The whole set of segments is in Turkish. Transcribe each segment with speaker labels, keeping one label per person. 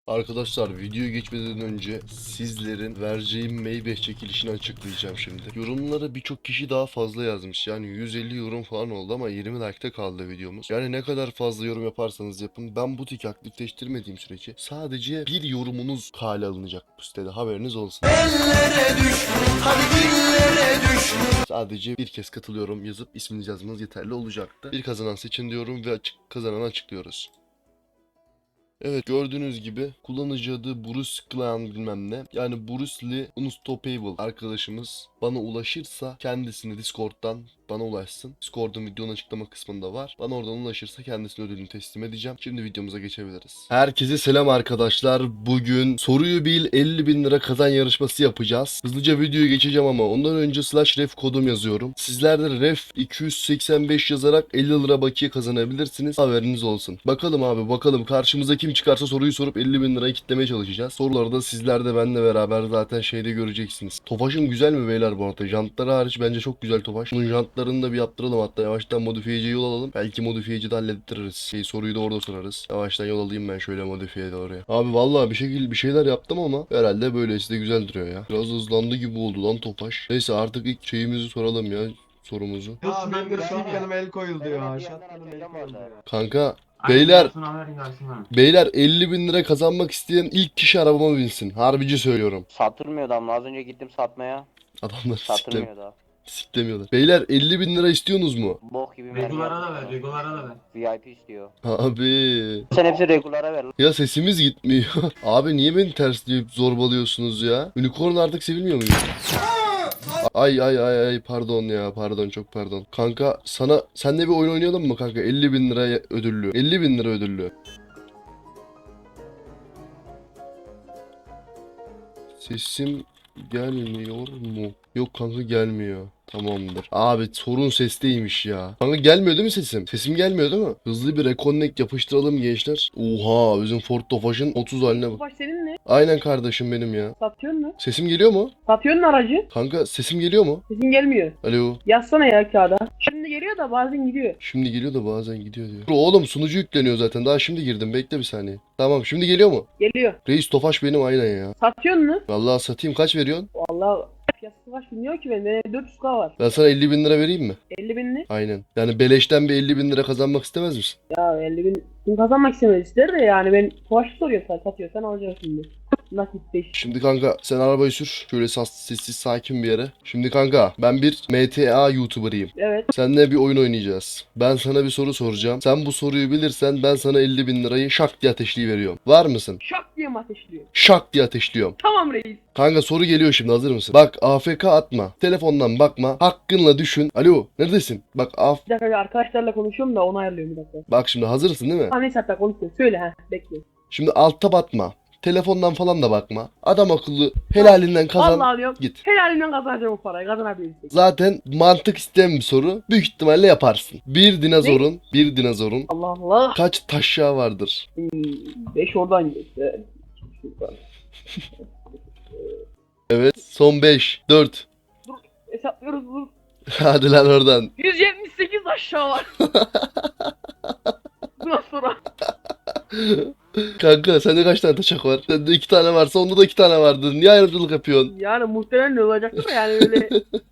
Speaker 1: Arkadaşlar videoya geçmeden önce sizlerin vereceğim Maybach çekilişini açıklayacağım şimdi. Yorumlara birçok kişi daha fazla yazmış. Yani 150 yorum falan oldu ama 20 like'ta kaldı videomuz. Yani ne kadar fazla yorum yaparsanız yapın, ben butik aktifleştirmediğim sürece sadece bir yorumunuz kale alınacak bu sitede, haberiniz olsun. Ellere düş, hadi dillere düş. Sadece bir kez katılıyorum yazıp isminizi yazmanız yeterli olacaktı. Bir kazanan seçin diyorum ve kazananı açıklıyoruz. Evet, gördüğünüz gibi kullanıcı adı Bruce Clan bilmem ne. Yani Bruce Lee Unstoppable arkadaşımız bana ulaşırsa kendisini Discord'dan bana ulaşsın. Discord'un videonun açıklama kısmında var. Bana oradan ulaşırsa kendisine ödülünü teslim edeceğim. Şimdi videomuza geçebiliriz. Herkese selam arkadaşlar. Bugün soruyu bil 50.000 lira kazan yarışması yapacağız. Hızlıca videoya geçeceğim ama ondan önce /ref kodum yazıyorum. Sizler de ref 285 yazarak 50 lira bakiye kazanabilirsiniz. Haberiniz olsun. Bakalım abi, bakalım karşımıza kim çıkarsa soruyu sorup 50.000 lirayı kitlemeye çalışacağız. Soruları da sizler de benimle beraber zaten şeyde göreceksiniz. Tofaş'ım güzel mi beyler bu arada? Jantları hariç bence çok güzel Tofaş. Bunun jantlarını da bir yaptıralım, hatta yavaştan modifiyeciye yol alalım. Belki modifiyeci de hallettiririz. Soruyu da orada sorarız. Yavaştan yol alayım ben şöyle modifiyeye doğru. Abi vallahi bir şeyler yaptım ama herhalde böylesi de güzel duruyor ya. Biraz hızlandı gibi oldu lan Tofaş. Neyse artık ilk şeyimizi soralım ya, sorumuzu.
Speaker 2: Ya ben de Şafik Hanım'a el koyuldu ya. Şafik Hanım'a el koyuldu ya.
Speaker 1: Kanka
Speaker 3: Aynen,
Speaker 1: beyler
Speaker 3: gelsin haberin gelsin ha.
Speaker 1: beyler 50.000 lira kazanmak isteyen ilk kişi arabama binsin. Harbici söylüyorum.
Speaker 4: Satılmıyor da ama az önce gittim satmaya.
Speaker 1: Adamlar
Speaker 4: Satılmıyor da.
Speaker 1: siklemiyorlar. Beyler 50.000 lira istiyorsunuz mu?
Speaker 4: Bok gibi mermi.
Speaker 3: Regulara da ver, regulara da ver.
Speaker 4: VIP istiyor.
Speaker 1: Abi.
Speaker 4: Sen hepsi regulara ver lan.
Speaker 1: Ya sesimiz gitmiyor. Abi niye beni tersleyip zorbalıyorsunuz ya? Unicorn artık sevilmiyor muyum? Ay pardon ya, pardon, çok pardon. Kanka senle bir oyun oynayalım mı kanka? 50.000 lira ödüllü. 50.000 lira ödüllü. Sesim gelmiyor mu? Yok kanka, gelmiyor. Tamamdır. Abi sorun sesteymiş ya. Kanka gelmiyor değil mi sesim? Sesim gelmiyor değil mi? Hızlı bir reconnect yapıştıralım gençler. Oha, bizim Ford Tofaş'ın 30 haline bak.
Speaker 5: Tofaş senin mi?
Speaker 1: Aynen kardeşim benim ya.
Speaker 5: Satıyorsun mu?
Speaker 1: Sesim geliyor mu?
Speaker 5: Satıyorsun aracı.
Speaker 1: Kanka sesim geliyor mu?
Speaker 5: Sesin gelmiyor.
Speaker 1: Alo.
Speaker 5: Yazsana ya kağıda. Şimdi geliyor da bazen gidiyor.
Speaker 1: Şimdi geliyor da bazen gidiyor diyor. Oğlum sunucu yükleniyor zaten. Daha şimdi girdim. Bekle bir saniye. Tamam, şimdi geliyor mu?
Speaker 5: Geliyor.
Speaker 1: Reis Tofaş benim aynen ya.
Speaker 5: Satıyorsun mu?
Speaker 1: Vallahi satayım, kaç veriyorsun?
Speaker 5: Vallahi fiyatı Tofaş bilmiyor ki benim. 400k var.
Speaker 1: Ben sana 50.000 lira vereyim mi?
Speaker 5: 50 bin ne?
Speaker 1: Aynen. Yani beleşten bir 50.000 lira kazanmak istemez misin?
Speaker 5: Ya 50 bin. Bunu kazanmak istemez ister de yani ben Tofaş'ı soruyor sen satıyorsan alacaksın şimdi. Nakit 5.
Speaker 1: Şimdi kanka sen arabayı sür. Şöyle sessiz sakin bir yere. Şimdi kanka ben bir MTA YouTuber'ıyım.
Speaker 5: Evet.
Speaker 1: Seninle bir oyun oynayacağız. Ben sana bir soru soracağım. Sen bu soruyu bilirsen ben sana 50.000 lirayı şak diye ateşleyiveriyorum. Var mısın?
Speaker 5: Şak diye mi ateşliyor?
Speaker 1: Şak diye ateşliyorum.
Speaker 5: Tamam reis.
Speaker 1: Kanka soru geliyor şimdi, hazır mısın? Bak AFK atma. Telefondan bakma. Hakkınla düşün. Alo, neredesin? Bak
Speaker 5: Bir dakika arkadaşlarla konuşuyorum da onu ayarlıyorum bir dakika.
Speaker 1: bak şimdi hazırsın değil mi?
Speaker 5: Ha neyse hatta konuşuyor. Söyle ha bekle.
Speaker 1: Şimdi altta batma. Telefondan falan da bakma. Adam akıllı helalinden kazan.
Speaker 5: Vallahi diyorum.
Speaker 1: Git.
Speaker 5: Helalinden kazanacağım o parayı. Kazanabilirsin.
Speaker 1: Zaten mantık isteyen bir soru. Büyük ihtimalle yaparsın. Bir dinozorun
Speaker 5: Allah Allah.
Speaker 1: kaç taşyağı vardır?
Speaker 5: 5 oradan gidiyor. Şuradan.
Speaker 1: Evet. Son 5, 4.
Speaker 5: Hesaplıyoruz dur.
Speaker 1: Hadi lan oradan.
Speaker 5: 178 aşağı var. Bundan sonra.
Speaker 1: Kanka sende kaç tane taşak var? Sende 2 tane varsa onda da 2 tane vardır. Niye ayrımcılık yapıyorsun?
Speaker 5: Yani muhtemelen ne olacaktı da yani öyle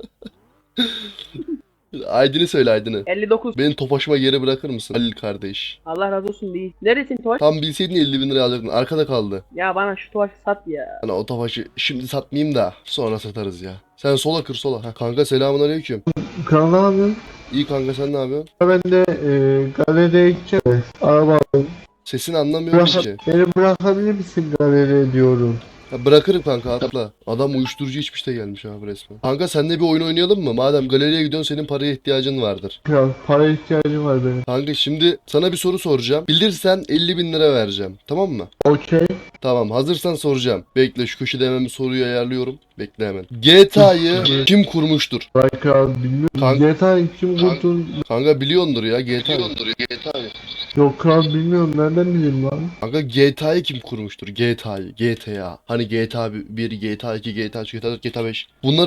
Speaker 1: Aydın'ı söyle, Aydın'ı.
Speaker 5: 59.
Speaker 1: Beni Tofaş'ıma geri bırakır mısın Halil kardeş?
Speaker 5: Allah razı olsun değil. Neresin Tofaş?
Speaker 1: Tam bilseydin 50.000 lira alacaktın. Arkada kaldı.
Speaker 5: Ya bana şu Tofaş'ı sat ya.
Speaker 1: Hani o Tofaş'ı şimdi satmayayım da sonra satarız ya. Sen sola kır, sola. Ha. Kanka selamun aleyküm.
Speaker 2: Kral ne yapıyorsun?
Speaker 1: İyi kanka, sen ne yapıyorsun?
Speaker 2: Ben de galeriye gideceğim. Araba
Speaker 1: Sesini anlamıyorum ki.
Speaker 2: beni bırakabilir misin galeriye diyorum.
Speaker 1: Ya bırakırım kanka, atla. Adam uyuşturucu içmiş de gelmiş abi resmen. Kanka seninle bir oyun oynayalım mı? Madem galeriye gidiyorsun, senin paraya ihtiyacın vardır.
Speaker 2: Kral para ihtiyacım var benim.
Speaker 1: Kanka şimdi sana bir soru soracağım. Bilirsen 50.000 lira vereceğim. Tamam mı?
Speaker 2: Okey.
Speaker 1: Tamam, hazırsan soracağım. Bekle, şu köşede hemen bir soruyu ayarlıyorum. Bekle hemen. GTA'yı kim kurmuştur?
Speaker 2: Vay kral bilmiyorum.
Speaker 1: Kanka-
Speaker 2: GTA kim kurtun?
Speaker 1: Kanka biliyordur ya GTA'yı.
Speaker 2: Yok kral bilmiyorum. Nereden bileyim lan?
Speaker 1: Kanka GTA'yı kim kurmuştur? GTA. Hani GTA 1, GTA 2, GTA 3, GTA 4, GTA 5. Bunların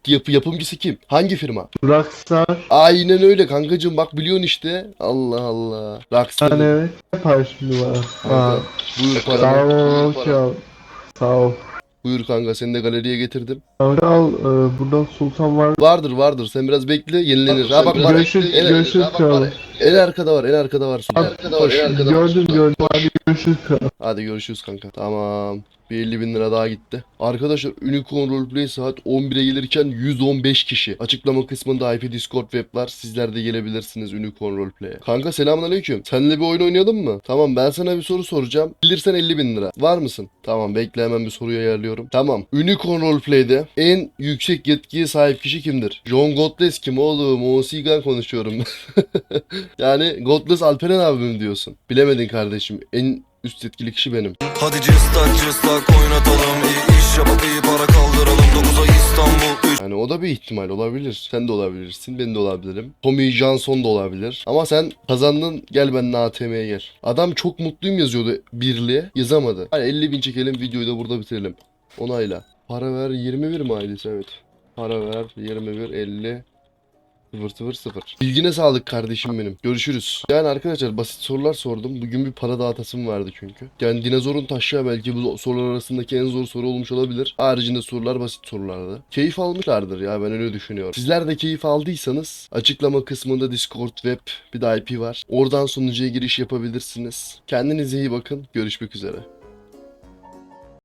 Speaker 1: yapımcısı kim? Hangi firma?
Speaker 2: Rockstar.
Speaker 1: Aynen öyle kankacığım, bak biliyorsun işte. Allah Allah. Rockstar.
Speaker 2: Yani evet. Ne yapar şimdi bana?
Speaker 1: Kanka,
Speaker 2: Ha.
Speaker 1: buyur
Speaker 2: Sağ
Speaker 1: paranı.
Speaker 2: ol kral. Sağ ol.
Speaker 1: Buyur kanka, seni de galeriye getirdim.
Speaker 2: Kanka al. Buradan Sultan var.
Speaker 1: Vardır. Sen biraz bekle, yenilenir. Ha bak,
Speaker 2: Görüşürüz. Görüşürüz kral.
Speaker 1: en arkada var, en arkada var. Koş.
Speaker 2: Gördüm. Hadi görüşürüz kral.
Speaker 1: Hadi görüşürüz kanka. Tamam. Bir 50.000 lira daha gitti. Arkadaşlar Unicorn Roleplay saat 11'e gelirken 115 kişi. Açıklama kısmında IP Discord web var. Sizler de gelebilirsiniz Unicorn Roleplay'e. Kanka selamünaleyküm. Seninle bir oyun oynayalım mı? Tamam, ben sana bir soru soracağım. Bilirsen 50.000 lira. Var mısın? Tamam, bekle, hemen bir soruyu ayarlıyorum. Tamam. Unicorn Roleplay'de en yüksek yetkiye sahip kişi kimdir? John Godless kim oğlum? Osigan konuşuyorum. Yani Godless Alperen abim diyorsun. Bilemedin kardeşim. En üst yetkili kişi benim.
Speaker 6: Hadi cıstak oynatalım, iyi iş yapıp iyi para kaldıralım. 9 ay İstanbul.
Speaker 1: Yani o da bir ihtimal olabilir. Sen de olabilirsin, ben de olabilirim. Tommy Johnson da olabilir. Ama sen kazandın, gel benimle ATM'ye gel. Adam çok mutluyum yazıyordu birliğe. Yazamadı. Hani 50.000 çekelim, videoyu da burada bitirelim. Onayla. Para ver 21 mi ailesi? Evet. Para ver 21 50 000. Bilgine sağlık kardeşim benim. Görüşürüz. Yani arkadaşlar basit sorular sordum. Bugün bir para dağıtasım vardı çünkü. Yani dinozorun taşıya belki bu sorular arasındaki en zor soru olmuş olabilir. Haricinde sorular basit sorulardı. Keyif almışlardır ya, ben öyle düşünüyorum. Sizler de keyif aldıysanız açıklama kısmında Discord web bir de IP var. Oradan sunucuya giriş yapabilirsiniz. Kendinize iyi bakın. Görüşmek üzere.